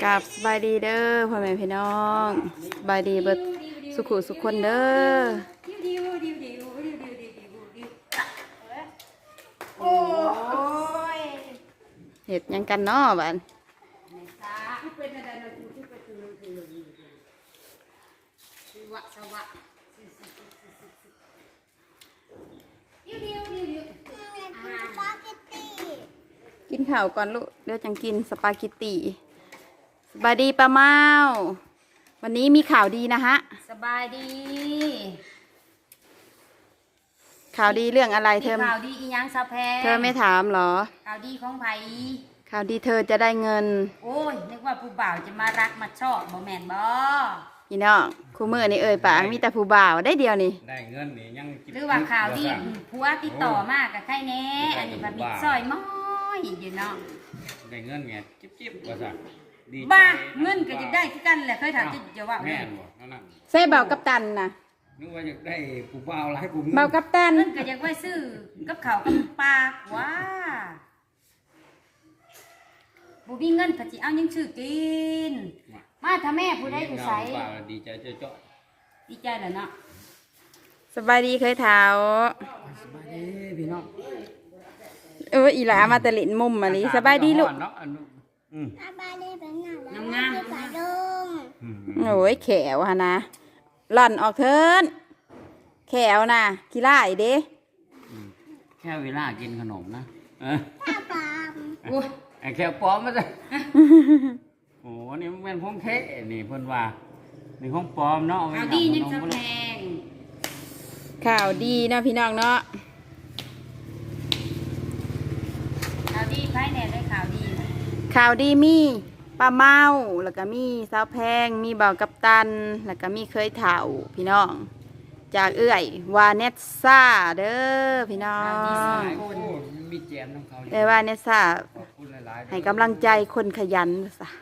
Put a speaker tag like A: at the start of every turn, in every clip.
A: กับสบายดีเด้อพ่อแม่พี่น้องสบายดีเบิดสุขุสุขคนเด้อ
B: โอ้ย
A: เห็ดหยังกันเนาะบ้านกินข้าวก่อนลูกเดี๋ยวจังกินสปาเกตตีสบายดีป้าเมาวันนี้มีข่าวดีนะฮะ
B: สบายดี
A: ข่าวดีเรื่องอะไรเธอ
B: ข่าวดีอีหยังสะแพง
A: เธอไม่ถามเหรอ
B: ข่าวดีของไผ
A: ข่าวดีเธอจะได้เงิน
B: โอ้ยนึกว่าผู้บ่าวจะมารักมาชอบบ่แม่นบ่
A: พี่น้องคู่มือนี่ปากมีแต่ผู้บ่าวได้เดียวนี่
C: ได้เงินนี่ยัง
B: หรือว่าข่าวดีผัวติดต่อมากกับใครแน่อันนี้มันมีซอยม้อยอยู่เนาะ
C: ได้เงินไงจิ๊บว่าสั่งดี
B: บ้าเงินก็จะได้ที่กันแหละเคยถามจะว่า
C: แม่นบ่นั่น
A: ใส่เบากับตันนะ
C: นึกว่าอยากได้ผู้บ่าวหลายผู้
A: เบากับตัน
B: เงินก็อยากไว้ซื้อกับข้าวกับปลาว้าบุมีเงินผัดจีเอายังซื้อกินมาถ้าแม่ผู้ใดอยู่ใส
C: ดีใจเจ้า
B: ดีใจเหรอเนาะ
A: สบายดีเคยเท้า
C: สบายดีพี่น้อง
A: อีหลามาตะลินมุมมานี้สบายดีลูก
B: สบายดีเป็นงาม
A: โอ้ยแขวฮะนะหล่อนออกเทินแขวนะกีฬาอีเด้
C: แค่เวลากินขนมนะ
B: ข้าวปลา
C: โอ้ยแค่ปลอมมาเลยโอ้นี่มันเป็นพงเทนี่เพิ่นว่านี่ของปลอมเนาะ
B: ข่าวดียังจะแพง
A: ข่าวดีนะพี่น้องเนาะ
B: ข่าวดีไพ่แน่ได้ข่าวดี
A: ข่าวดีมีป้าเมาแล้วก็มีสาวแพงมีเบากับตันแล้วก็มีเคยเถ่าพี่น้องจากเอื้อยวาเนสซ่าเด้อพี่น้อง
C: มีแจมน้ำเขา
A: แต่วาเนสซ่าให้กำลังใจคนขยันซะ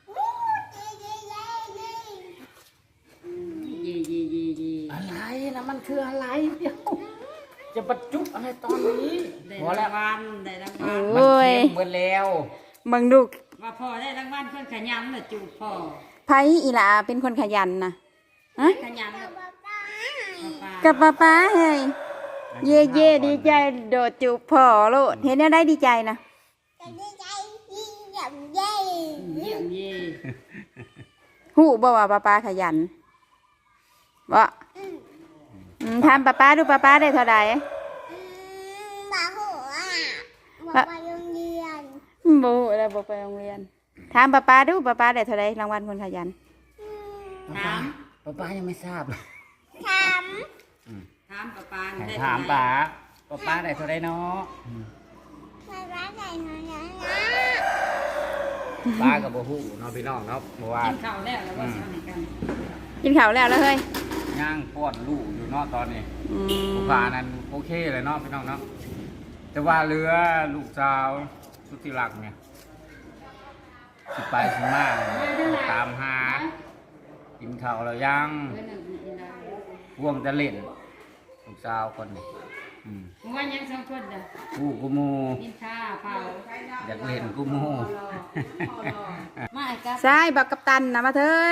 C: อะไรนะมันคืออะไรเดี๋ยวจะบรรจุอะไรตอนนี้
B: พอแล้ววันได้รางวัล
A: โอ้ย
C: เมื่อแล้ว
A: บังดู
B: ว่าพ่อได้รางวัลคนขยันน่ะจูบพ่อ
A: ไผอีหลาเป็นคนขยันนะ
B: ฮะขยัน
A: กับป้าเฮ้ยเย่เย่ดีใจโดดจูบพ่อโลดเห็นแล้วได้ดีใจนะ
B: ดีใจเยี่ยมเย่เยี่ยมเย่
A: หูบ่ว่าป้าขยันบ่ทำป้าดูป้าได้เท่าไหร่
B: บ่หูอ่ะบ่ไปโรงเรียน
A: บ่อะไรบ่ไปโรงเรียนถามป้าดูป้าได้เท่าไหร่รางวัลคนขยัน
B: ถาม
C: ป้ายังไม่ทราบ
B: ถามป้า
C: ถามป้าได้เท่าไหร่เนาะ
B: ป้าได้เท่าไหร่
C: ป้ากับบ่ฮู้เนาะพี่น้องเนาะเมื่อวาน
B: กินข้าวแล้วว่าสิเอาไหนกัน
A: กินข้าวแล้วเฮ้ย
C: ย่างป้อนลูกอยู่เนาะตอนนี้ผู้พานั้นโอเคเลยเนาะพี่น้องเนาะแต่ว่าเรือลูกสาวสุธิรักเนี่ยสิไปสิมาตามหากินข้าวแล้วยังว่วงจะเล่นลูกสาวคนนี้
B: ว่ายังสองคนเด้อ
C: กูกูมู
B: กินข้าวเผา
C: อยากเล่นกูมู
B: มาครับ
A: ใช่บักกัปตันนะมาเถิน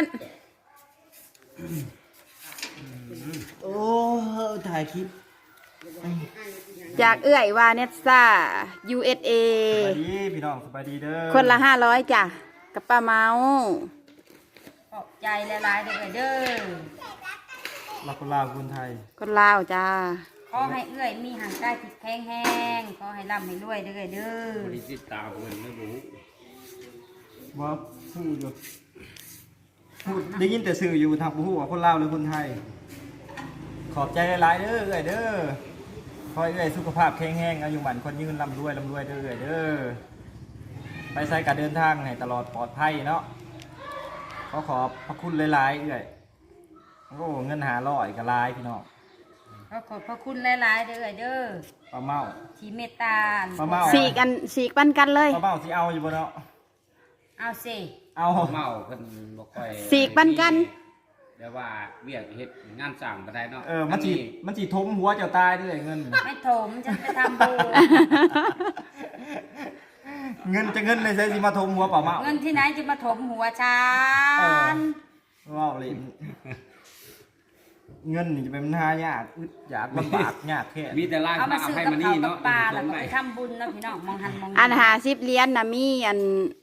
C: โอ้ถ่ายคลิป
A: จากเอื้อยวาเนสซ่า USA
C: สบายดีพี่น้องสบายดีเด้อ
A: คนละ500จ้ะกับป้าเมา
B: ขอบใจหลายๆเด้อ
C: รักคนลาวคนไทย
A: คนลาวจ้า
B: ขอให้เอื้อยมีห่างกายติดแข็งแห้งขอให้ร่ำให้รวยเด้อบ
C: ริจิตตาคนไม่รู้
D: ว่าพูดอยู่พูดได้ยินแต่สื่ออยู่ทางผู้ว่าคนลาวหรือคนไทยขอบใจหลายๆเด้อเด้อคอยสุขภาพแข็งแรงอายุหมันคนยืนร่ำรวยเด้อเด้อไปใส่การเดินทางให้ตลอดปลอดภัยเนาะขอบพระคุณหลายๆโอ้เงิน500กับลายพี่น้อง
B: ขอบพระคุณหลายๆเด้อ
D: ป้าเมา
B: ที่เมตตา
D: ป้าเมา
A: สีกปันกันเลย
D: ป้าเมาสิเอาอยู่บ่เนาะ
B: เอาสิ
D: เอา
C: เมาเพิ่นบ่ค่อย
A: สีกปันกัน
C: เดี๋ยวว่าเวียกเฮ็ดงานสั่งบ่ได้เนาะ
D: มันสิทมหัวเจ้าตายด้วยเงิน
B: ไม่ถมจะไปทำบุญ
D: เงินจะเงินในเซสิมาทมหัวเปล่าเมา
B: เงินที่ไหนจะมาถมหัวฉัน
D: ว้าวเลยเงินนี่จะเป็นปัญหายากอึดอยากลำบากยากแค่
C: มีแต่ล่าง
B: เอามาซื้อ
C: ให้
B: กับ
C: มัน
B: ข้า
C: นี่
B: วกับ
C: เนาะ
B: ปลาแล้วก็ไปทำบุญนะพี่น้องมองหันมอง
A: อัน50เหรียญน่ะมีอัน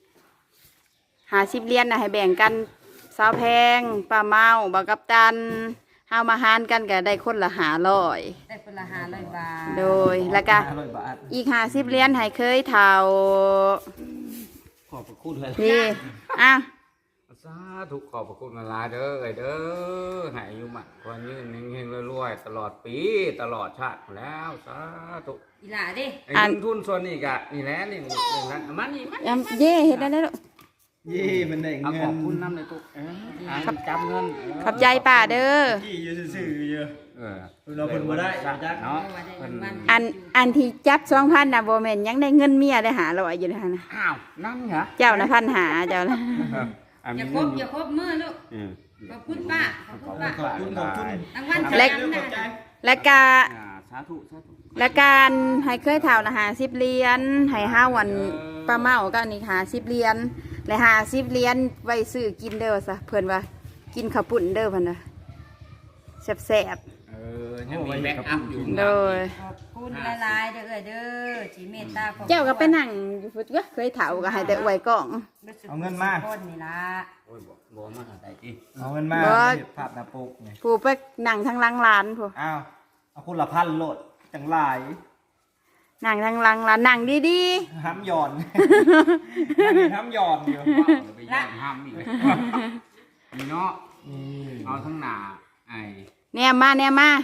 A: 50เหรียญน่ะให้แบ่งกันสาวแพงป้าเมาบ่าวกัปตันเฮามาหารกันก็ได้คนละ500
B: ได้คนละ500 บาท
A: โดยแล้วก็
D: 500 บาท
A: อีก50เหรียญให้เคยเฒ่า
C: ขอบพระคุณเลย
A: นี่อ่ะ
C: สาธุขอบพระคุณมาลายเด้อเอ้ยเด้อให้อายุมันคนยืนเฮงๆรวยๆตลอดปีตลอดชาติแล้วสาธุ
B: อีหล่าดิ
C: ไอ้เงินทุนส่วนนี้กะนี่แหละนี่นั่นมันนี่มัน
A: เย่เฮ็ดได้แล้วลูก
D: เย่มันได้
C: เอา
D: เงิ
C: ขอน บคุณน้ำในตุ๊กจำเงิน
A: ขอบใจป้าเด้อ
D: ที่อยู่ซื่อๆอยู่
C: เออ
D: เราเพิ่นบ่ได้จัก
C: เนาะ
B: ว่าได้เงินมัน
A: อันที่จับ2,000น่ะบ่แม่นยังได้เงินเมียได้500อยู่เลยหั่นน่ะ
C: อ้าวนั่นเหรอ
A: เจ้าน่ะ1,500เจ้าน่ะ
B: อย่าคบอย่าคบมือลูกขอบคุณป้าขอบคุณป้า
D: ขอบคุณ
B: รางวัล
D: เล็ก
B: ขอบใจ
A: และก็
C: สาธุสาธุ
A: และการให้เคยเท่านะ50เหรียญให้5วันป้าเมาก็อันนี้50เหรียญและ50เหรียญไว้ซื้อกินเด้อซะเพิ่นว่ากินข้าวปุ้นเด้อเพิ่นว่าแซ่บ
C: ยังมีแบ็กอัพอยู่
A: ๆโดย
B: ขอบคุณหลายๆเด้อเด้อที่เมตตาของ
A: เจ้าก็ไปนั่งอยู่ฟุตก็เคยเฒ่าก็ให้แต่อวยกล้อง
D: เอาเงินมา
B: คนนี่ล่ะ
C: โอ้ยบ่มาได้อีก
D: เอาเงินมา
A: บ่
D: ภาพหน้าปกนี่
A: ผู้ไปนั่งทางหลังร้านผู้
D: อ้าวเอาคนละพันโลดจังหลาย
A: นั่งทางหลังร้านนั่งดี
D: ห้ำหย่อนห้ำหย่อนอยู่
C: ไปย่างห้ามอีกเลยนี่เนาะ
D: นี่
C: เอาทั้งหน้าไอ้
A: ๆแนมมา
C: นี่นะ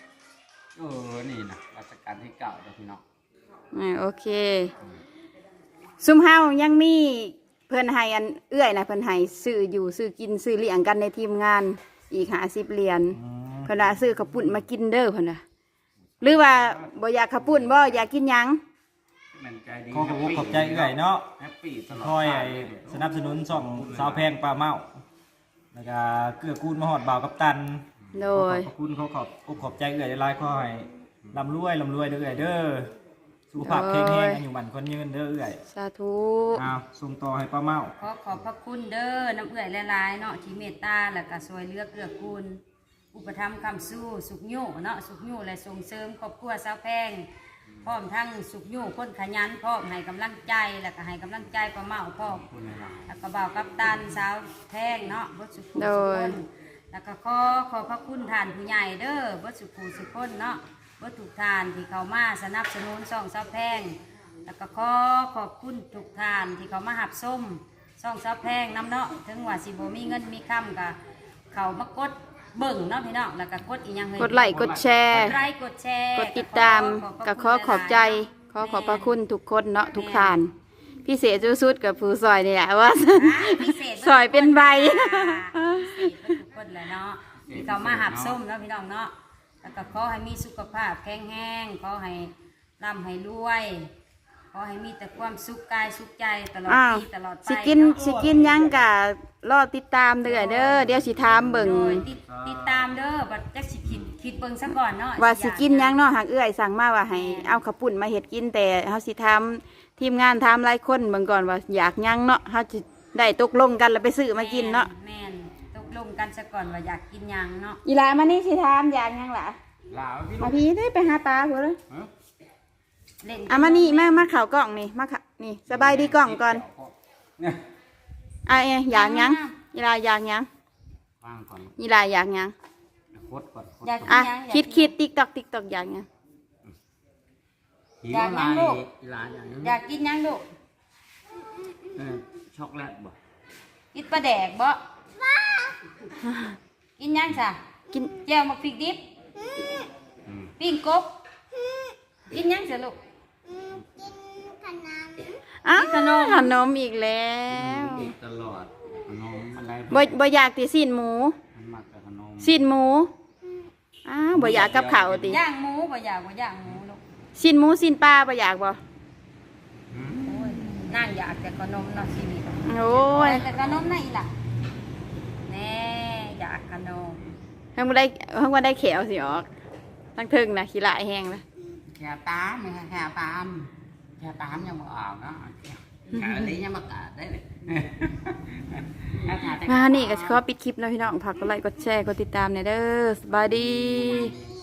C: รัชกาลที่9เด้อพี่น้อง
A: โอเคซุมเฮายังมีเพิ่นให้อันเอื้อยนะเพิ่นให้ซื้ออยู่ซื้อกินซื้อเลี้ยงกันในทีมงานอีก50เหรียญ เพิ่นว่าซื้อข้าวปุ้นมากินเด้อเพิ่นว่าหรือว่าบ่อยากข้าวปุ้นบ่อยากกินหยัง
C: มันใจดี
D: ขอขอบใจเอื่อยเนาะ
C: แฮปปี้ตลอด
D: คอยสนับสนุนส่องสาวแพงปลาเมาแล้วก็เกื้อกูลมาหอดบ่าวกับตัน
A: โดย
D: ขอบคุณเขาขอบใจเอื่อยหลายๆขอให้ร่ำรวยเด้อเอื่อยเด้อสุขภาพแข็งแรงอายุมันคนยืนเด้อเอื่อย
A: สาธุ
D: อ้าวส่งต่อให้ปลาเมา
B: ขอขอบพระคุณเด้อน้ำเอื้อยหลายๆเนาะที่เมตตาแล้วก็ช่วยเหลือเกื้อกูลอุปถัมภ์คำสู้สุขยู่เนาะสุขยู่และส่งเสริมครอบครัวสาวแพงพร้อมทั้งสุขยู่คนขยันพร้อมให้กำลังใจแล้วก็ให้กำลังใจป้าเมาพร้อม
C: คุณนะครับ
B: แล้วก็บ่าวกัปตันสาวแพงเนาะบดสุขุสุคนแล้วก็ขอพระคุณท่านผู้ใหญ่เด้อบดสุขุสุคนเนาะบดทุกท่านที่เขามาสนับสนุนช่องสาวแพงแล้วก็ขอบคุณทุกท่านที่เขามาหับส้มช่องสาวแพงน้ำเนาะถึงว่าสิบ่มีเงินมีคำกับเขามากดเบิ่งเนาะพี่น้องแล้วก็กดอีกอย่างเฮ้ย
A: กดไลค์กดแชร์
B: กดไลค์กดแชร์
A: กดติดตามก็ขอขอบใจขอขอบพระคุณทุกคนเนาะทุกท่าน พิเศษสุดๆกับผู้ซอยนี่แหละว่า
B: พิเศษ
A: ซอยเป็นใบ
B: พิเศษทุกคนเลยเนาะที่เขามาหับส้มเนาะพี่น้องเนาะแล้วก็ขอให้มีสุขภาพแข็งแรงขอให้ร่ำให้รวยขอให้มีแต่ความสุขกายสุขใจตลอด
A: อ้าว
B: ปีตลอดไป
A: สิกิน
B: เาะ
A: สิกินหยังกะรอติดตามเด้อเด้อเดี๋ยวสิถามเบิ่ง
B: โดยติดตามเด้อบัดจักสิคิดเบิ่งซะก่อนเนาะ
A: ว่าสิกินหยังเนาะหากเอื้อยสั่งมาว่าให้เอาข้าวปุ้นมาเฮ็ดกินแต่เฮาสิทำทีมงานทำหลายคนเบิ่งก่อนว่าอยากหยังเนาะเฮาสิได้ตกลงกันแล้วไปซื้อมากินเนาะ
B: แม่นตกลงกันซะก่อนว่าอยากกินหยังเนาะ
A: อีหลามานี่สิถามอยากหยังล่ะ
C: ลาวพี่
A: มาพี่ได้ไปหาปลาพุ่นเลย
B: เล่น
A: อ่ะมานี่มาเข้ากล้องนี่มาค่ะนี่สบายดีกล้องก่อน
C: เนี่ย
A: อ่ะอยากหยังอีหลาอยากหยัง
C: วางก่อน
A: อีหลาอยากหยัง
C: โคตรก่อน
B: อยาก
A: อ่ะ
B: กินหยัง
A: คิดติ๊กตอกอยากหยัง
C: หิวอะไรลาอย่างนี้
B: อยากกินหยังลูก
C: ช็อกโกแลตบ่
B: กินปลาแดกบ่กินหยังซะ
A: กิน
B: แจ่วมักพริกดิบปิ้งกบกินหยังซะลูก
A: อ้าว
B: ขนม
A: ขนมอีกแล้ว
C: ตลอดขนมอะไร
A: บ่อยากติสิ้นหมู
C: มันมักแต่ขนม
A: สิ้นหมูอ้าวบ่อยากกับข้าวติ
B: ย่างหมูบ่อยากย่างหมูลูก
A: สิ้นหมูสิ้นปลาบ่อยากบ่
B: โอ้ยนั่งอยากแต่ขนมเนาะชีวิต
A: โอ้ย
B: แต่ขนมไหนล่ะแน่อยากขนม
A: เพิ่งบ่ได้เขียวสิออกทั้งถึงนะขี้ลายแห้งนะ
C: แค่ตามแค่ตามยังบ่ออกนะ
E: อะไรยังมากาดได้เลยถ้าถ่ายแต่
A: มานี่ก็ขอปิดคลิปแล้วพี่น้องฝากกดไลค์กดแชร์กดติดตามหน่อยเด้อสบายดี